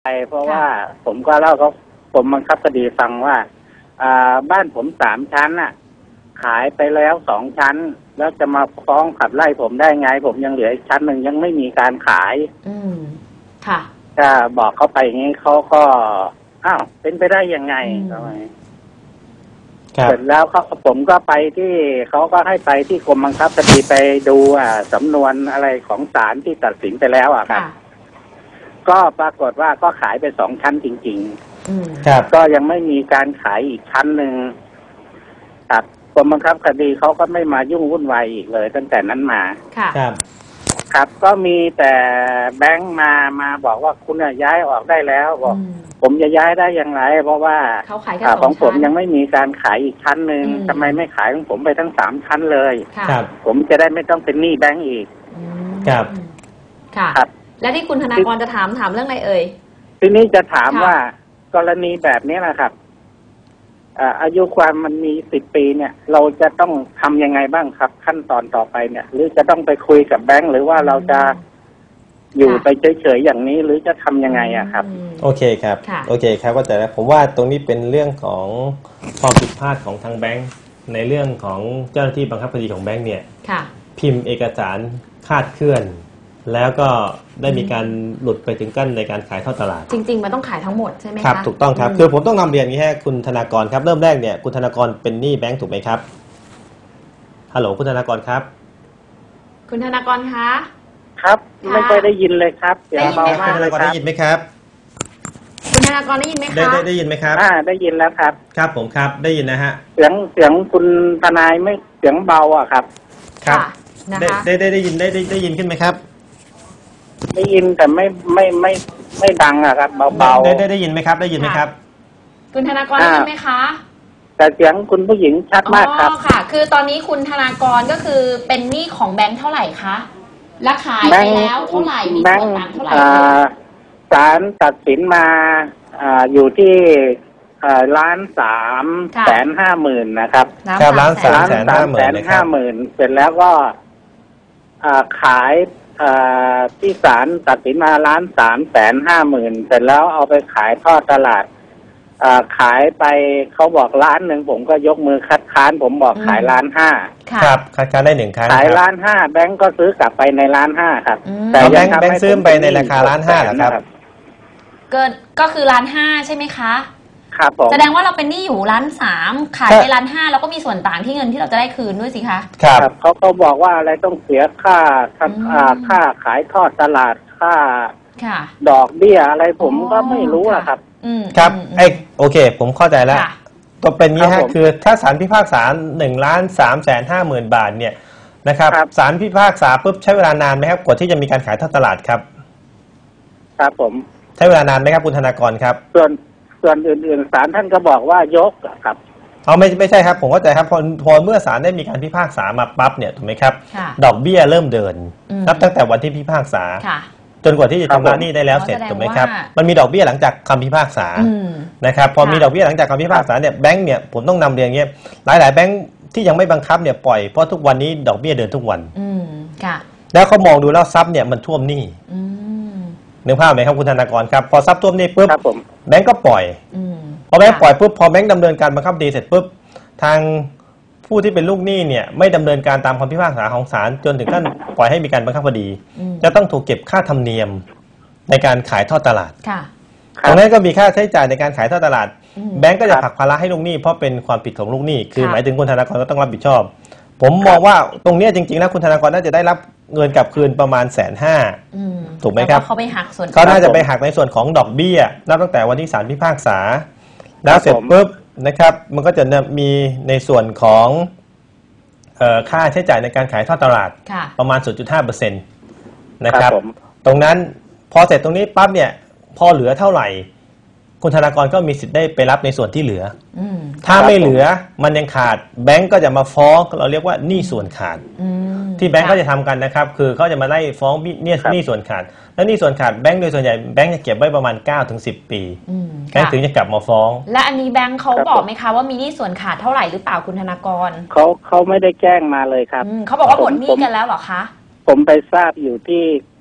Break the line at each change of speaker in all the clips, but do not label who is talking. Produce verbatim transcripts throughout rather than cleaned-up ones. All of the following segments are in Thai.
เพราะว่าผมก็เล่าเขาผมบังคับคดีฟังว่าอ่าบ้านผมสามชั้นน่ะขายไปแล้วสองชั้นแล้วจะมาฟ้องขับไล่ผมได้ไงผมยังเหลืออีกชั้นหนึ่งยังไม่มีการขาย
อืมค่ะ
ถ้าบอกเขาไปอย่างนี้เขาก็อ้าวเป็นไปได้ยังไงทำไมเสร็จแล้วเขาผมก็ไปที่เขาก็ให้ไปที่กรมบังคับคดีไปดูอ่าสำนวนอะไรของศาลที่ตัดสินไปแล้วอ่ะครับก็ปรากฏว่าก็ขายไปสองชั้นจริงๆครับก็ยังไม่มีการขายอีกชั้นหนึ่งครับกรมบังคับคดีเขาก็ไม่มายุ่งวุ่นวายอีกเลยตั้งแต่นั้นมาครับครับก็มีแต่แบงค์มามาบอกว่าคุณย้ายออกได้แล้วบอกผมจะย้ายได้อย่างไรเพราะว่าของผมยังไม่มีการขายอีกชั้นหนึ่งทำไมไม่ขายของผมไปทั้งสามชั้นเลยครับผมจะได้ไม่ต้องเป็นหนี้แบงค์อีก
ครับค่ะครับและที่คุณธนากรจะถามถามเรื่องอะไรเอ่ย
ทีนี้จะถามว่ากรณีแบบนี้แหละครับอายุความมันมีสิบปีเนี่ยเราจะต้องทำยังไงบ้างครับขั้นตอนต่อไปเนี่ยหรือจะต้องไปคุยกับแบงค์หรือว่าเราจะอยู่ไปเฉยๆอย่างนี้หรือจะทำยังไงอะครับ
โอเคครับโอเคครับก็แต่ผมว่าตรงนี้เป็นเรื่องของความผิดพลาดของทางแบงค์ในเรื่องของเจ้าหน้าที่บังคับคดีของแบงค์เนี่ยพิมพ์เอกสารคลาดเคลื่อนแล้วก็ได้มีการหลุดไปถึงกั้นในการขายทอดตลาด
จริงๆมันต้องขายทั้งหมดใช่ไหมคะ
ครับถูกต้องครับคือผมต้องนำเรียนอย่างนี้ให้คุณธนากรครับเริ่มแรกเนี่ยคุณธนากรเป็นหนี้แบงค์ถูกไหมครับฮัลโหลคุณธนากรครับ
คุณธนากรคะ
ครับไม่ค่อยได้ยินเลยครับ
เสียงเบามากเลยครับได้ยินไหมครับ
คุณธนากรได้ยินไหมคะ
ได้ได้ยินไหมครับ
อ่าได้ยินแล้วครับ
ครับผมครับได้ยินนะฮะ
เสียงเสียงคุณทนายไม่เสียงเบาอ่ะครับ
ครับได้ได้ได้ได้ยินได้ได้ได้ยินขึ้นไหมครับ
ได้ยินแต่ไม่ไม่ไม่ไม่ดังอะครับเบาๆ
ได้ได้ได้ยินไหมครับได้ยินไหมครับ
คุณธนากรได้ยินไหมคะ
แต่เสียงคุณผู้หญิงชัดมากครับ
อ๋อค่ะคือตอนนี้คุณธนากรก็คือเป็นหนี้ของแบงค์เท่าไหร่คะและขายไปแล้วเท่าไหร่มีส่วนต่างเท่าไหร่
ศาลตัดสินมาอยู่ที่ล้านสามแสนห้าหมื่นนะครับ
ครับล้านสามแสนห้าหมื่น
ห้าหมื่นเสร็จแล้วก็ขายที่ศาลตัดสินมาล้านสามแสนห้าหมื่นเสร็จแล้วเอาไปขายทอดตลาดขายไปเขาบอกล้านหนึ่งผมก็ยกมือคัดค้านผมบอกขายล้านห้า
ครับคัดค้านได้หนึ่งครั้ง
ขายล้านห้าแบงก์ก็ซื้อกลับไปในล้านห้าครับ
แต่แบงก์แบงก์ซื้อไปในราคาล้านห้าเหรอครับ
เกินก็คือล้านห้าใช่ไหมคะ
ครับผม
แสดงว่าเราเป็นหนี้อยู่ล้านสามขายไปล้านห้าแล้วก็มีส่วนต่างที่เงินที่เราจะได้คืนด้วยสิคะ
ครับ
เขาเขาบอกว่าอะไรต้องเสียค่าค่าขายทอดตลาดค่าดอกเบี้ยอะไรผมก็ไม่รู้อะครับ
ครับไอโอเคผมเข้าใจแล้วตัวเป็นนี้ฮะคือถ้าศาลพิพากษาหนึ่งล้านสามแสนห้าหมื่นบาทเนี่ยนะครับศาลพิพากษาปุ๊บใช้เวลานานไหมครับกว่าที่จะมีการขายทอดตลาดครับ
ครับผม
ใช้เวลานานไหมครับคุณธนากรครับ
ส่วนส่วนอื่นๆศาลท่านก็บอกว่ายกครับ
เอาไม่ไม่ใช่ครับผมเข้าใจครับพอพอเมื่อศาลได้มีการพิพากษามาปั๊บเนี่ยถูกไหมครับดอกเบี้ยเริ่มเดินนับตั้งแต่วันที่พิพากษาจนกว่าที่จะชำระหนี้ได้แล้วเสร็จถูกไหมครับมันมีดอกเบี้ยหลังจากคำพิพากษานะครับพอมีดอกเบี้ยหลังจากคำพิพากษาเนี่ยแบงก์เนี่ยผมต้องนำเรียนอย่างเงี้ยหลายๆแบงก์ที่ยังไม่บังคับเนี่ยปล่อยเพราะทุกวันนี้ดอกเบี้ยเดินทุกวันแล้วเขามองดูแล้วทรัพย์เนี่ยมันท่วมหนี้นึกภาพไหมครับคุณธนากรครับพอทรัพย์ท่วมหนี้ปุ๊บแบงก์ก็ปล่อยพอแบงก์ปล่อยปุ๊บพอแบงก์ดำเนินการบังคับคดีเสร็จปุ๊บทางผู้ที่เป็นลูกหนี้เนี่ยไม่ดำเนินการตามคำพิพากษาของศาลจนถึงขั้นปล่อยให้มีการบังคับคดีจะต้องถูกเก็บค่าธรรมเนียมในการขายทอดตลาดตรงนั้นก็มีค่าใช้จ่ายในการขายทอดตลาดแบงก์ก็จะผลักภาระให้ลูกหนี้เพราะเป็นความผิดของลูกหนี้คือหมายถึงคุณธนากรก็ต้องรับผิดชอบผมมองว่าตรงนี้จริงๆแล้วคุณธนากรน่าจะได้รับเงินกลับคืนประมาณแสนห้าถูกไหมครับ
เขาไปหักส่วน
เขาน่าจะไปหักในส่วนของดอกเบี้ยนับตั้งแต่วันที่ศาลพิพากษาแล้วเสร็จปุ๊บนะครับมันก็จะมีในส่วนของค่าใช้จ่ายในการขายทอดตลาดประมาณ ศูนย์จุดห้าเปอร์เซ็นต์ นะครับตรงนั้นพอเสร็จตรงนี้ปั๊บเนี่ยพอเหลือเท่าไหร่คุณธนากรก็มีสิทธิ์ได้ไปรับในส่วนที่เหลือถ้าไม่เหลือมันยังขาดแบงก์ก็จะมาฟ้องเราเรียกว่าหนี้ส่วนขาดที่แบงก์ก็จะทำกันนะครับคือเขาจะมาไล่ฟ้องหนี้ส่วนขาดแล้วหนี้ส่วนขาดแบงก์โดยส่วนใหญ่แบงก์จะเก็บไว้ประมาณ เก้าถึงสิบ ปีแบงก์ถึงจะกลับมาฟ้อง
และอันนี้แบงก์เขาบอกไหมคะว่ามีหนี้ส่วนขาดเท่าไหร่หรือเปล่าคุณธนากร
เขาเขาไม่ได้แจ้งมาเลยครับ
เขาบอกว่าหมดหนี้กันแล้วเหรอคะ
ผมไปทราบอยู่ที่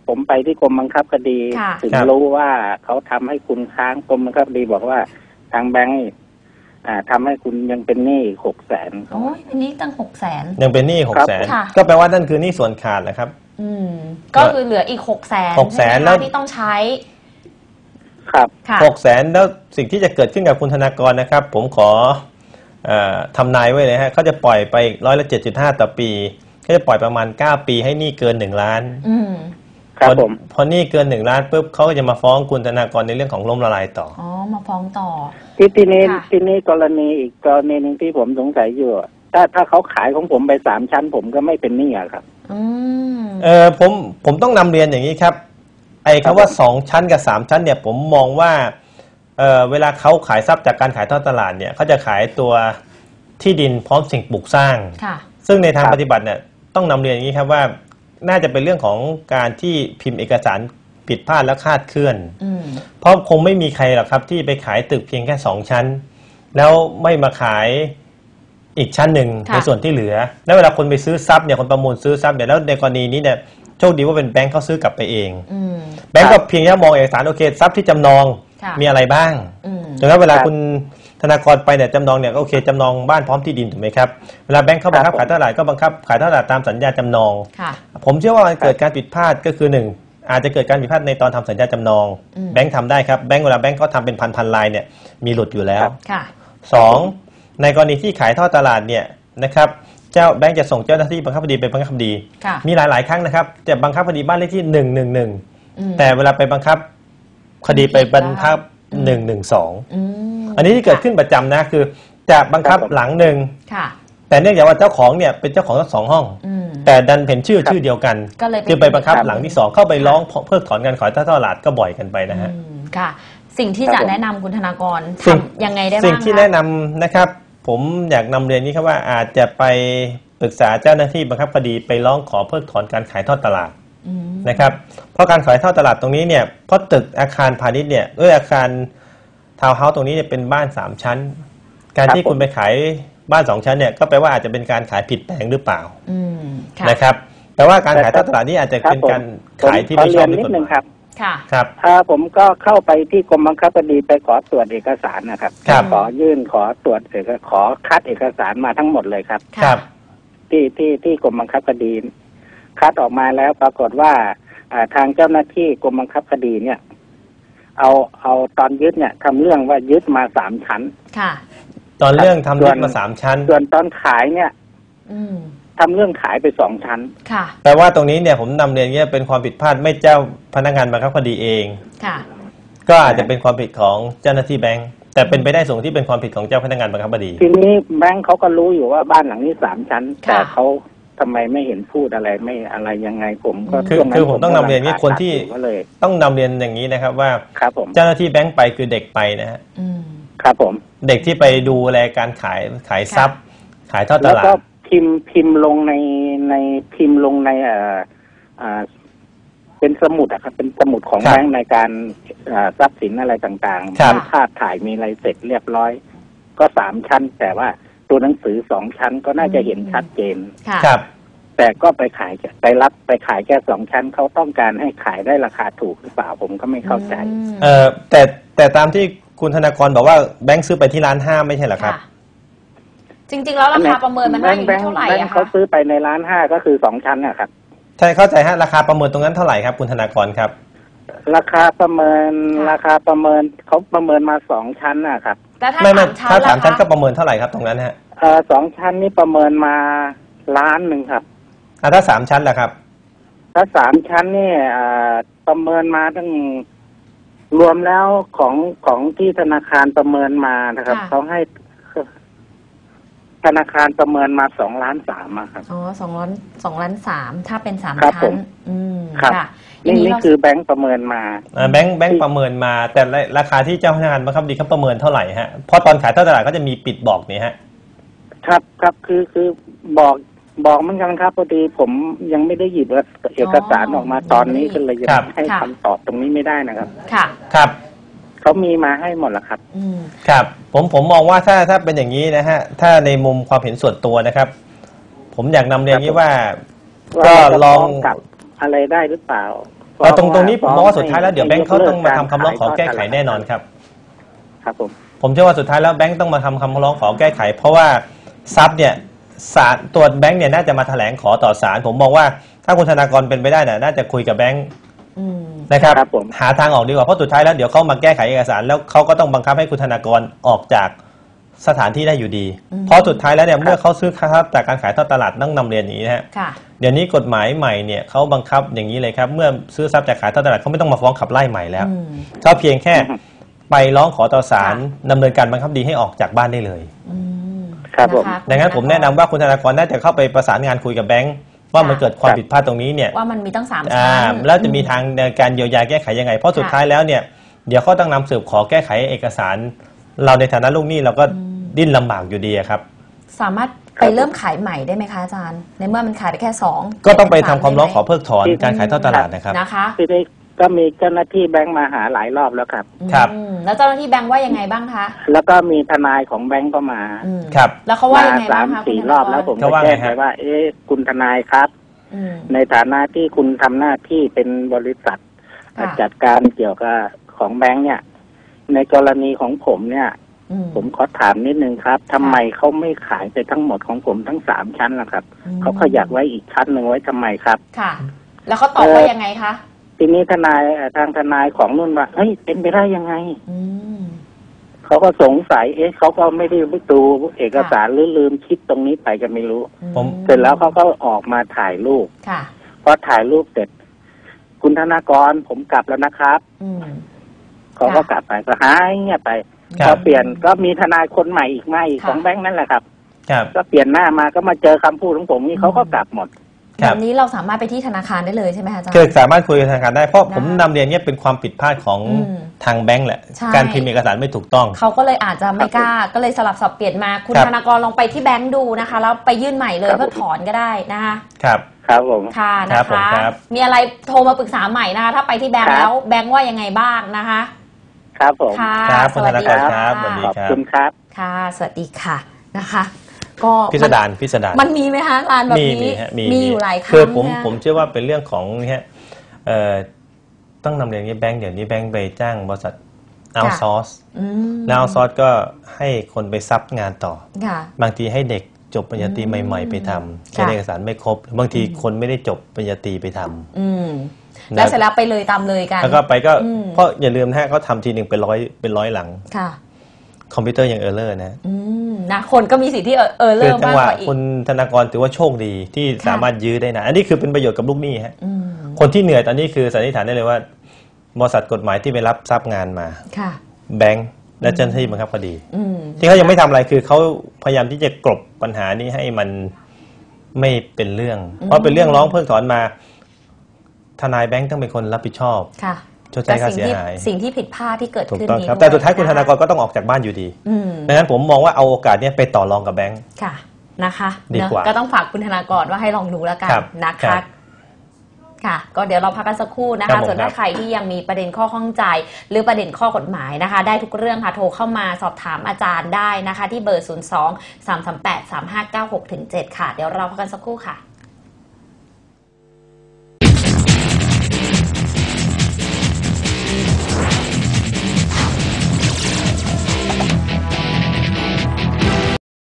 ผมไปที่กรมบังคับคดีถึงรู้ว่าเขาทำให้คุณค้างกรมบังคับคดีบอกว่าทางแบงก์อ่าทำให้คุณยังเป็นหนี้หกแสน
โอ้ยเป็นหนี้ตั้งหกแสน
ยังเป็นหนี้หกแสนก็แปลว่านั่นคือหนี้ส่วนขาดแหละครับ
อืมก็คือเหลืออีกหกแสน
หกแสนแล้ว
ที่ต้องใช้
ครับ
หกแสนแล้วสิ่งที่จะเกิดขึ้นกับคุณธนากรนะครับผมขอทำนายไว้เลยฮะเขาจะปล่อยไปร้อยละเจ็ดจุดห้าต่อปีเขาจะปล่อยประมาณเก้าปีให้หนี้เกินหนึ่งล้าน
ครับผม
พอหนี้เกินหนึ่งล้านปุ๊บเขาก็จะมาฟ้องคุณธนากรในเรื่องของล้มละลายต่อ
อ๋อมาฟ้องต่อ
ที่ที่นี้ที่นี้กรณีอีกกรณีหนึ่งที่ผมสงสัยอยู่ถ้าถ้าเขาขายของผมไปสามชั้นผมก็ไม่เป็นหนี้อะครับ
อืม
เออผมผมต้องนำเรียนอย่างนี้ครับไอ้คำว่าสองชั้นกับสามชั้นเนี่ยผมมองว่าเออเวลาเขาขายทรัพย์จากการขายทอดตลาดเนี่ยเขาจะขายตัวที่ดินพร้อมสิ่งปลูกสร้างซึ่งในทางปฏิบัติเนี่ยต้องนำเรียนอย่างนี้ครับว่าน่าจะเป็นเรื่องของการที่พิมพ์เอกสารผิดพลาดและคลาดเคลื่อนเพราะคงไม่มีใครหรอกครับที่ไปขายตึกเพียงแค่สองชั้นแล้วไม่มาขายอีกชั้นหนึ่งในส่วนที่เหลือแล้วเวลาคนไปซื้อทรัพย์เนี่ยคนประมูลซื้อทรัพย์เนี่ยแล้วในกรณีนี้เนี่ยโชคดีว่าเป็นแบงค์เขาซื้อกลับไปเองแบงค์ก็เพียงแค่มองเอกสารโอเคทรัพย์ที่จำนองมีอะไรบ้างจนกระทั่งเวลาคุณธนากรไปเนี่ยจำนองเนี่ยโอเคจำนองบ้านพร้อมที่ดินถูกไหมครับเวลาแบงค์เขาบังคับขายเท่าไหร่ก็บังคับขายเท่าไหร่ตามสัญญาจำนองผมเชื่อว่ามันเกิดการผิดพลาดก็คือหนึ่งอาจจะเกิดการผิดพลาดในตอนทำสัญญาจำนองแบงค์ทำได้ครับแบงค์เวลาแบงค์เขาทำเป็นพันพันลายเนี่ยมีหลุดอยู่แล้วสองในกรณีที่ขายทอดตลาดเนี่ยนะครับเจ้าแบงค์จะส่งเจ้าหน้าที่บังคับคดีไปบังคับคดีมีหลายๆครั้งนะครับจะบังคับคดีบ้านเลขที่หนึ่งหนึ่งหนึ่งแต่เวลาไปบังคับคดีไปบังคับหนึ่งหนึ่งสองอันนี้ที่เกิดขึ้นประจำนะคือจะบังคับหลังหนึ่งแต่เนื่องจากว่าเจ้าของเนี่ยเป็นเจ้าของทั้งสองห้องแต่ดันเป็นชื่อชื่อเดียวกันคือไปบังคับหลังที่สองเข้าไปร้องเพิกถอนการขายทอดตลาดก็บ่อยกันไปนะฮะ
ค่ะสิ่งที่จะแนะนำคุณธนากรทำยังไงได้บ้าง
สิ่งที่แนะนำนะครับผมอยากนำเรียนนี้ครับว่าอาจจะไปปรึกษาเจ้าหน้าที่บังคับคดีไปร้องขอเพิกถอนการขายทอดตลาดนะครับเพราะการขายทอดตลาดตรงนี้เนี่ยเพราะตึกอาคารพาณิชย์เนี่ยเอออาคารทาวน์เฮาส์ตรงนี้เนี่ยเป็นบ้านสามชั้นการที่คุณไปขายบ้านสองชั้นเนี่ยก็แปลว่าอาจจะเป็นการขายผิดแปลงหรือเปล่านะครับแปลว่าการขายทอดตลาดนี้อาจจะเป็นการขายที่ไม่ชอบด้วยกฎหมาย
ค่ะ
ครับ
ถ้าผมก็เข้าไปที่กรมบังคับคดีไปขอตรวจเอกสารนะครับขอยื่นขอตรวจเอกขอคัดเอกสารมาทั้งหมดเลยครับ
ครับ
ที่ที่ที่กรมบังคับคดีคัดออกมาแล้วปรากฏว่าทางเจ้าหน้าที่กรมบังคับคดีเนี่ยเอาเอาตอนยึดเนี่ยทำเรื่องว่ายึดมาสามชั้น
ค่ะ
ตอนเรื่องทำยึดมาสามชั้น
ส่วนตอนขายเนี่ยทำเรื่องขายไปสองชั้น
ค่ะ
แปลว่าตรงนี้เนี่ยผมนำเรียนเงี้ยเป็นความผิดพลาดไม่เจ้าพนักงานบังคับคดีเอง
ค่ะ
ก็อาจจะเป็นความผิดของเจ้าหน้าที่แบงค์แต่เป็นไปได้สูงที่เป็นความผิดของเจ้าพนักงานบังคับคดี
ทีนี้แบงค์เขาก็รู้อยู่ว่าบ้านหลังนี้สามชั้นแต่เขาทำไมไม่เห็นพูดอะไรไม่อะไรยังไงผมก็
คือคือผมต้องนำเรียนนี้คนที่ต้องนำเรียนอย่างนี้นะครับว่าเจ้าหน้าที่แบงค์ไปคือเด็กไปนะฮะ
ครับผม
เด็กที่ไปดูแลการขายขายทรัพย์ขายทอดตลาด
พิมพ์พิมพ์ลงในในพิมพ์ลงในเอ่ออ่าเป็นสมุดอะครับเป็นสมุดของแบงค์ในการทรัพย์สินอะไรต่างๆมีภาพถ่ายมีอะไรเสร็จเรียบร้อยก็สามชั้นแต่ว่าตัวหนังสือสองชั้นก็น่าจะเห็นชัดเจน
ครับ
แต่ก็ไปขายไปรับไปขายแค่สองชั้นเขาต้องการให้ขายได้ราคาถูกหรือเปล่าผมก็ไม่เข้าใจ
เออแต่แต่ตามที่คุณธนากรบอกว่าแบงค์ซื้อไปที่ร้านห้าไม่ใช่เหรอครับ
จริงๆแล้วราคาประเมินมันได้อยู่เท่าไหร่อะคะ
เขาซื้อไปในร้านห้าก็คือสองชั้นนะครับ
ใช่เข้าใจฮะราคาประเมินตรงนั้นเท่าไหร่ครับคุณธนากรครับ
ราคาประเมินราคาประเมินเขาประเมินมาสองชั้นนะครับ
ไม่ไม่ถ้าสามชั้นก็ประเมินเท่าไหร่ครับตรงนั้นฮะ
เออสองชั้นนี่ประเมินมาล้านหนึ่งครับ
อ่าถ้าสามชั้นล่ะครับ
ถ้าสามชั้นนี่ประเมินมาตั้งรวมแล้วของของที่ธนาคารประเมินมานะครับเขาให้ธนาคารประเมินมาสองล้านสามครับ
อ๋อสองล้านสองล้านสามถ้าเป็นสามชั้นอืม
ค่ะนี่นี่คือแบงค์ประเมินมา
แบงค์แบงค์ประเมินมาแต่ราคาที่เจ้าพนักงานบังคับคดีเขาประเมินเท่าไหร่ฮะเพราะตอนขายทอดตลาดก็จะมีปิดบอกนี่ฮะ
ครับครับคือคือบอกบอกเหมือนกันครับพอดีผมยังไม่ได้หยิบเอกสารออกมาตอนนี้ก็เลยจะให้คำตอบตรงนี้ไม่ได้นะครับ
ค่ะ
ครับ
เขามีมาให้หมดแล้วครับ
ครับผมผมมองว่าถ้าถ้าเป็นอย่างนี้นะฮะถ้าในมุมความเห็นส่วนตัวนะครับผมอยากนำเรียนนี้ว่าก็ลอง
กับอะไรได้หรือเปล่าฟ้
เอาตรงตรงนี้ผมมองว่าสุดท้ายแล้วเดี๋ยวแบงค์เขาต้องมาทำคำร้องขอแก้ไขแน่นอนครับ
ครับผม
ผมเชื่อว่าสุดท้ายแล้วแบงค์ต้องมาทำคำร้องขอแก้ไขเพราะว่าทรัพย์เนี่ยศาลตัวแบงค์เนี่ยน่าจะมาแถลงขอต่อศาลผมมองว่าถ้าคุณธนากรเป็นไปได้น่ะน่าจะคุยกับแบงค์นะครับหาทางออกดีกว่าเพราะสุดท้ายแล้วเดี๋ยวเขามาแก้ไขเอกสารแล้วเขาก็ต้องบังคับให้คุณธนากรออกจากสถานที่ได้อยู่ดีเพราะสุดท้ายแล้วเนี่ยเมื่อเขาซื้อทรัพย์จากการขายทอดตลาดต้องนำเรียนอย่างนี้นะฮะเดี๋ยวนี้กฎหมายใหม่เนี่ยเขาบังคับอย่างนี้เลยครับเมื่อซื้อทรัพย์จากขายทอดตลาดเขาไม่ต้องมาฟ้องขับไล่ใหม่แล้วเขาเพียงแค่ไปร้องขอต่อศาลดำเนินการบังคับคดีให้ออกจากบ้านได้เลย
ครับผม
ดังนั้นผมแนะนำว่าคุณธนากรน่าจะเข้าไปประสานงานคุยกับแบงค์ว่ามันเกิดความผิดพลาดตรงนี้เนี่ย
ว่ามันมีตั้งสามชั้น
แล้วจะมีทางการเยียวยาแก้ไขยังไงเพราะสุดท้ายแล้วเนี่ยเดี๋ยวเขาต้องนำสืบขอแก้ไขเอกสารเราในฐานะลูกหนี้เราก็ดิ้นลำบากอยู่ดีครับ
สามารถไปเริ่มขายใหม่ได้ไหมคะอาจารย์ในเมื่อมันขายได้แค่สอง
ก็ต้องไปทำความร้องขอเพิกถอนการขายทอดตลาดนะครับ
นะคะ
ทีนี้ก็มีเจ้าหน้าที่แบงค์มาหาหลายรอบแล้วครับ
ครับ
แล้วเจ้าหน้าที่แบงค์ว่ายังไงบ้างคะ
แล้วก็มีทนายของแบงค์ก็มา
ครับ
แล้วเขาว่ายังไงบ้างคะ
สามสี่รอบแล้วผมก็แจ้งไปว่าเอ๊ะคุณทนายครับในฐานะที่คุณทำหน้าที่เป็นบริษัทจัดการเกี่ยวกับของแบงค์เนี่ยในกรณีของผมเนี่ยผมขอถามนิดนึงครับทำไมเขาไม่ขายไปทั้งหมดของผมทั้งสามชั้นล่ะครับเขาขยักไว้อีกชั้นหนึ่งไว้ทำไมครับ
ค่ะแล้วเขาตอบว่ายังไงคะ
ทีนี้ทนายทางทนายของนุ่นว่าเฮ้ยเป็นไปได้ยังไงเขาก็สงสัยเอ๊ะเขาก็ไม่ได้ไปดูเอกสารหรือลืมคิดตรงนี้ไปกันไม่รู้ผมเสร็จแล้วเขาก็ออกมาถ่ายรูปพอถ่ายรูปเสร็จคุณธนากรผมกลับแล้วนะครับเขาก็กลับไปก็หายเงียบไปพอเปลี่ยนก็มีทนายคนใหม่อีกมาอีกของแบงค์นั่นแหละครับก็เปลี่ยนหน้ามาก็มาเจอคำพูดของผมนี่เขาก็กลับหมด
แบบนี้เราสามารถไปที่ธนาคารได้เลยใช่ไหมคะอาจารย์
คือสามารถคุยกับธนาคารได้เพราะผมนำเรียนเนี่ยเป็นความผิดพลาดของทางแบงค์แหละการพิมพ์เอกสารไม่ถูกต้อง
เขาก็เลยอาจจะไม่กล้าก็เลยสลับสับเปลี่ยนมาคุณธนากรลองไปที่แบงค์ดูนะคะแล้วไปยื่นใหม่เลยเพื่อถอนก็ได้นะคะ
ครับ
ครับผม
ค่ะนะคะมีอะไรโทรมาปรึกษาใหม่นะคะถ้าไปที่แบงค์แล้วแบงค์ว่ายังไงบ้างนะคะ
ครับผม
ค่ะ
สวัสดีครับ
ขอบคุณครับ
ค่ะสวัสดีค่ะนะคะก็
พิสดารพิสดาร
มันมีไหมคะร้านแบบนี้มีอยู่หลายครั้ง
คือผมผมเชื่อว่าเป็นเรื่องของเนี่ยต้องนำเรียนนี้แบงค์เดี๋ยวนี้แบงค์ไปจ้างบริษัทเอาซอร์สแล้วเอาซอร์สก็ให้คนไปซับงานต่อบางทีให้เด็กจบปริญญาตรีใหม่ๆไปทำเอกสารไม่ครบบางทีคนไม่ได้จบปริญญาตรีไปทำ
แล้วเสร็จแล้วไปเลยตามเลยกัน
แล้วก็ไปก็เพราะอย่าลืมนะฮะเขาทำทีหนึ่งเป็นร้อยเป็นร้อยหลังคอมพิวเตอร์ยังเออร์เลอร์นะ
นะคนก็มีสิทธิ์ที่เออร์เลอร์มากกว่าอีก
คุณธนากรถือว่าโชคดีที่สามารถยื้อได้นะอันนี้คือเป็นประโยชน์กับลูกหนี้ฮะคนที่เหนื่อยตอนนี้คือสันนิษฐานได้เลยว่าบริษัทกฎหมายที่ไปรับทรัพย์งานมาแบงก์และเจ้าหน้าที่บังคับคดีที่เขายังไม่ทำอะไรคือเขาพยายามที่จะกลบปัญหานี้ให้มันไม่เป็นเรื่องเพราะเป็นเรื่องร้องเพิกถอนมาทนายแบงก์ต้องเป็นคนรับผิดชอบชดใช้ค่าเสียหาย
สิ่งที่ผิดพลาดที่เกิดขึ้นนี้
แต่สุดท้ายคุณธนากรก็ต้องออกจากบ้านอยู่ดีดังนั้นผมมองว่าเอาโอกาสนี้ไปต่อรองกับแบงก์
ค่ะนะคะดีกว่าก็ต้องฝากคุณธนากรว่าให้ลองดูแล้วกันนะคะค่ะก็เดี๋ยวเราพักกันสักครู่นะคะส่วนถ้าใครที่ยังมีประเด็นข้อข้องใจหรือประเด็นข้อกฎหมายนะคะได้ทุกเรื่องค่ะโทรเข้ามาสอบถามอาจารย์ได้นะคะที่เบอร์ศูนย์ สอง สาม สาม แปด สาม ห้า เก้า หก ถึง เจ็ดค่ะเดี๋ยวเราพักกันสักครู่ค่ะ